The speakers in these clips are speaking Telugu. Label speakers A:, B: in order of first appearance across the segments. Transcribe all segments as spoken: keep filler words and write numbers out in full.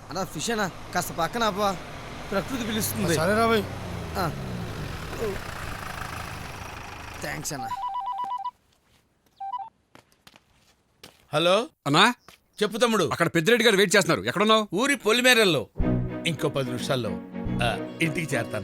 A: అన్నా ఫిష్ అన్నా కాస్త పక్కన అబ్బా, ప్రకృతి పిలుస్తుంది.
B: సరే రాబాయ్.
A: థ్యాంక్స్ అన్నా.
C: హలో
D: అన్నా
C: చెప్పు తమ్ముడు.
D: అక్కడ పెద్దిరెడ్డి గారు వెయిట్ చేస్తున్నారు. ఎక్కడున్నావు?
C: ఊరి పొలిమేరల్లో. ఇంకో పది నిమిషాల్లో ఆ, ఇంటికి చేరతాను.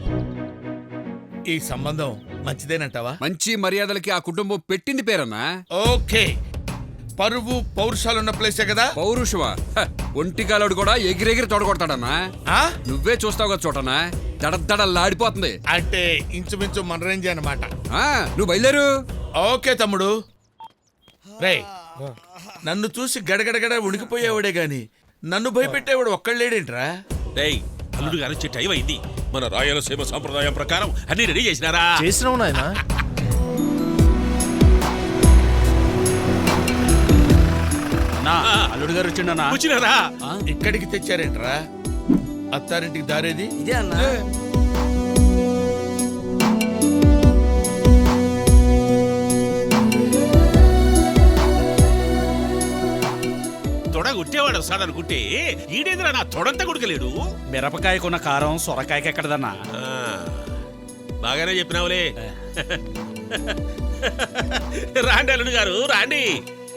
C: ఈ సంబంధం మంచిదేనంటావా?
D: మంచి మర్యాదలకి ఆ కుటుంబం పెట్టింది పేరన్నా.
C: ఓకే, పరువు పౌరుషాలున్న ప్లేసే కదా.
D: పౌరుషమా? ఒంటికాలుడు కూడా ఎగిరెగిరి తొడగొడతాడన్నా.
C: ఆ?
D: నువ్వే చూస్తావు కదా చోటనా, దడదడలాడిపోతుంది.
C: అంటే ఇంచుమించు మన రేంజ్ అన్నమాట.
D: ఆ, నువ్వు బయలుదేరు.
C: ఓకే తమ్ముడు. రే, నన్ను చూసి గడగడగడ ఉడికిపోయేవాడే గాని నన్ను భయపెట్టేవాడు ఒక్కళ్ళేడేంట్రా?
E: రేయ్, అల్లుడు గారు వచ్చే టైం అయింది. మన రాయలసీమ సంప్రదాయం ప్రకారం అన్ని రెడీ చేసినారా?
B: చేసినావు నాయనా.
E: అల్లుడు గారు వచ్చిండనా? వచ్చినారా?
C: ఇక్కడికి తెచ్చారేంట్రా? అత్తారింటికి దారేది
A: ఇదే అన్నా.
E: తొడ గుట్టేవాడు వస్తాడనుకుంటే ఈడేదిరా నా తొడంతా గుడకలేడు.
F: మిరపకాయకున్న కారం సొరకాయకి ఎక్కడదన్నా?
E: బాగానే చెప్పినావులే. రాండి అల్లుడు గారు రాండి.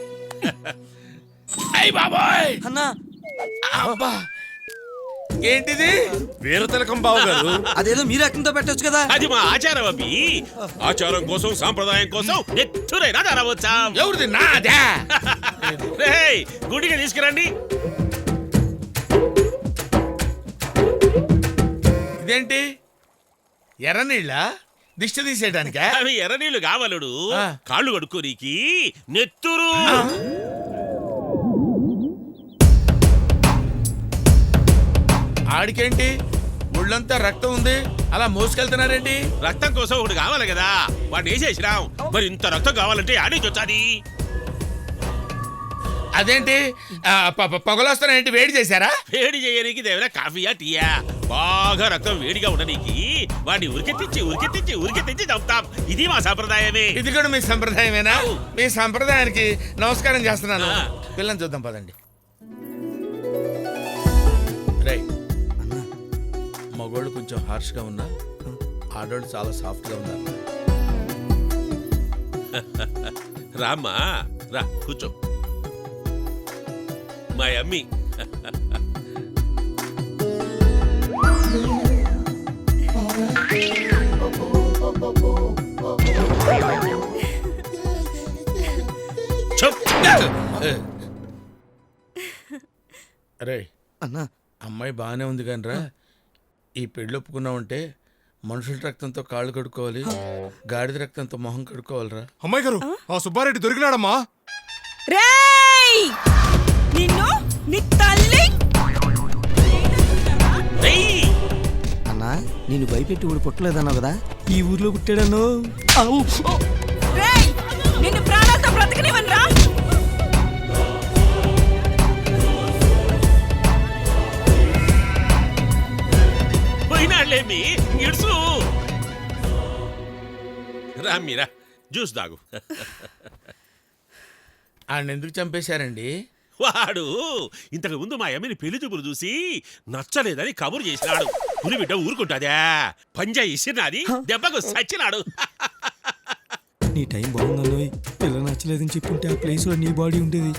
C: అయ్ బాబాయ్
A: అన్నా
C: అబ్బా, ఏంటిది?
B: వీర తిలకం బావ గారు.
A: అదేదో మీరు అక్కంతో పెట్టొచ్చు కదా.
E: అది మా ఆచారం అవి. ఆచారం కోసం సాంప్రదాయం కోసం నెత్తురైనా తరవచ్చా?
C: ఎవరిది? నాదా?
E: రేయ్, గుడికి తీసుకురండి.
C: ఇదేంటి ఎర్ర నీళ్ళ? దిష్టి తీసేయడానికా?
E: అవి ఎర్ర నీళ్లు కావాలడు.
C: ఆ.
E: కాళ్ళు కడుక్కోనీకి నెత్తురు.
C: ఆడికేంటి ఒళ్ళంతా రక్తం ఉంది, అలా మోసుకెళ్తున్నారేంటి?
E: రక్తం కోసం ఒకటి కావాలి కదా, వాడిని వేసేసినాం. మరి ఇంత రక్తం కావాలంటే ఆడే చొచ్చాది.
C: అదేంటి పొగలొస్తానేంటి? వేడి చేశారా?
E: వేడి చేయడానికి దేవరా కాఫీయా టీయా? బాగా రక్తం వేడిగా ఉండడానికి వాడిని ఉరికెత్తించి ఉరికెత్తించి ఉరికెత్తించి చంపుతాం. ఇది మా సంప్రదాయమే.
C: ఇది కూడా మీ సంప్రదాయమేనా? మీ సంప్రదాయానికి నమస్కారం చేస్తున్నాను.
E: ఆ.
C: పిల్లని చూద్దాం పదండి. రై, మగోళ్ళు కొంచెం హార్ష్ గా ఉన్నా, ఆడోళ్ళు చాలా సాఫ్ట్ గా ఉన్నారు.
E: రామ్మా రా కూర్చో. మా అమ్మి
C: రే
A: అన్నా
C: అమ్మాయి బాగానే ఉంది కానీ రా, ఈ పెళ్ళి ఒప్పుకున్నావంటే మనుషుల రక్తంతో కాళ్ళు కడుక్కోవాలి, గాడిద రక్తంతో మొహం కడుక్కోవాలిరా.
B: అమ్మాయి గారు, ఆ సుబ్బారెడ్డి దొరికినాడమ్మా.
G: రేయ్, నిన్ను నీ తల్లి.
A: అన్నా నేను భయపెట్టి ఊడి పుట్టలేదన్నావు కదా, ఈ ఊర్లో పుట్టాడను.
G: రేయ్, నిన్ను ప్రాణాలతో బ్రతకనివ్వనురా.
E: పోయినాళ్ళేమి ఇడుసు. రామ్మీరా జ్యూస్ తాగు.
C: ఆయన ఎందుకు చంపేశారండి?
E: వాడు ఇంతకు ముందు మా అమ్మని పెళ్లి చూపులు చూసి నచ్చలేదని కబురు చేసినాడు. పులి బిడ్డ ఊరుకుంటాదా? పంజా ఇసిరినాది, దెబ్బకు సచ్చినాడు.
A: నీ టైం బాగుందన్నోయ్, పిల్ల నచ్చలేదని చెప్పుంటే ఆ ప్లేస్ లో నీ బాడీ ఉండేది.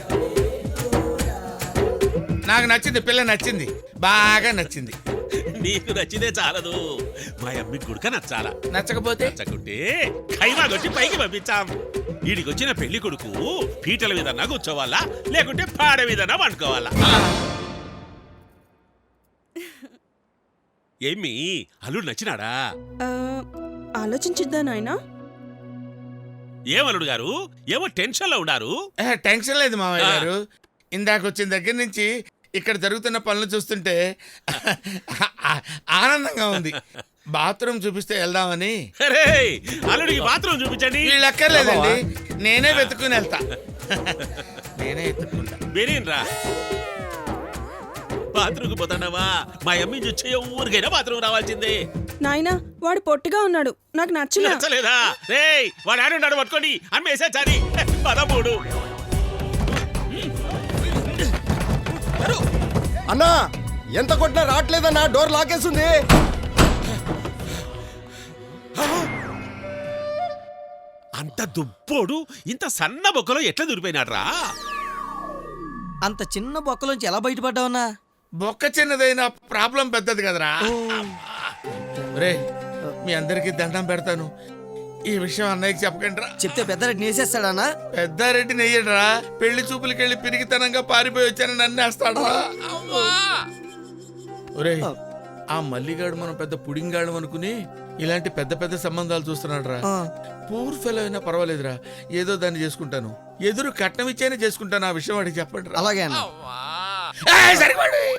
C: నాకు నచ్చింది, పిల్ల నచ్చింది, బాగా నచ్చింది.
E: నీకు నచ్చితే చాలదు, మా అమ్మకి గుడక నచ్చాలా.
C: నచ్చకపోతే
E: నచ్చకుంటే ఖైమా కొట్టి పైకి పంపించాం. ఈడికొచ్చిన పెళ్లి కొడుకు పీటల మీద కూర్చోవాలా, లేకుంటే పాడ మీద వండుకోవాలా? ఏమి అల్లుడు నచ్చినాడా?
G: ఆలోచించిద్దా నాయనా.
E: ఏమల్లుడు గారు ఏమో టెన్షన్ లో ఉన్నారు?
C: ఏ, టెన్షన్ లేదు మామయ్య గారు. ఇందాక వచ్చిన దగ్గర నుంచి ఇక్కడ జరుగుతున్న పనులు చూస్తుంటే ఆనందంగా ఉంది. బాత్రూమ్ చూపిస్తే వెళ్దామని.
E: అరే, అల్లుడికి బాత్రూమ్ చూపించండి.
C: వీళ్ళు ఎక్కర్లేదండి, నేనే వెతుక్కుని వెళ్తా. నేనే ఎత్తుకుంటా.
E: బెరీన్రా, బాత్రూమ్కి పోతాడావా? మా అమ్మి చూచే ఊరికైనా బాత్రూమ్ రావాల్సిందే.
G: నాయనా, వాడు పొట్టిగా ఉన్నాడు, నాకు నచ్చలే.
E: నచ్చలేదా? రేయ్, వాడు ఆడున్నాడు పట్టుకోండి, అమ్మేసా చారి. పదమూడు.
B: అన్నా ఎంత కొట్టినా రావట్లేదన్నా, డోర్ లాకేస్తుంది.
E: అంత దుబ్బోడు ఇంత సన్న బొక్కలో ఎట్లా దూరిపోయినాడ్రా?
H: అంత చిన్న బొక్కలోంచి ఎలా బయటపడ్డావన్నా?
C: బొక్క చిన్నదైనా ప్రాబ్లం పెద్దది కదరా. రే మీ అందరికి దండం పెడతాను, ఈ విషయం అన్నయ్యకి చెప్పకండి రా.
H: చెప్తే పెద్దరెడ్డి నేసేస్తాడన్నా?
C: పెద్దారెడ్డి నెయ్యడరా, పెళ్లి చూపులకెళ్ళి పిరిగితనంగా పారిపోయి వచ్చానని నన్నేస్తాడు. ఒరే ఆ మల్లిగాడు మనం పెద్ద పుడింగాడు అనుకుని ఇలాంటి పెద్ద పెద్ద సంబంధాలు చూస్తున్నాడు రా. పూర్ ఫెలో అయినా పర్వాలేదురా, ఏదో దాన్ని చేసుకుంటాను. ఎదురు కట్నం ఇచ్చైనా చేసుకుంటాను. ఆ విషయం వాడికి చెప్పండి రా.
H: అలాగే అన్న.
C: ఏయ్, సరిపోండి.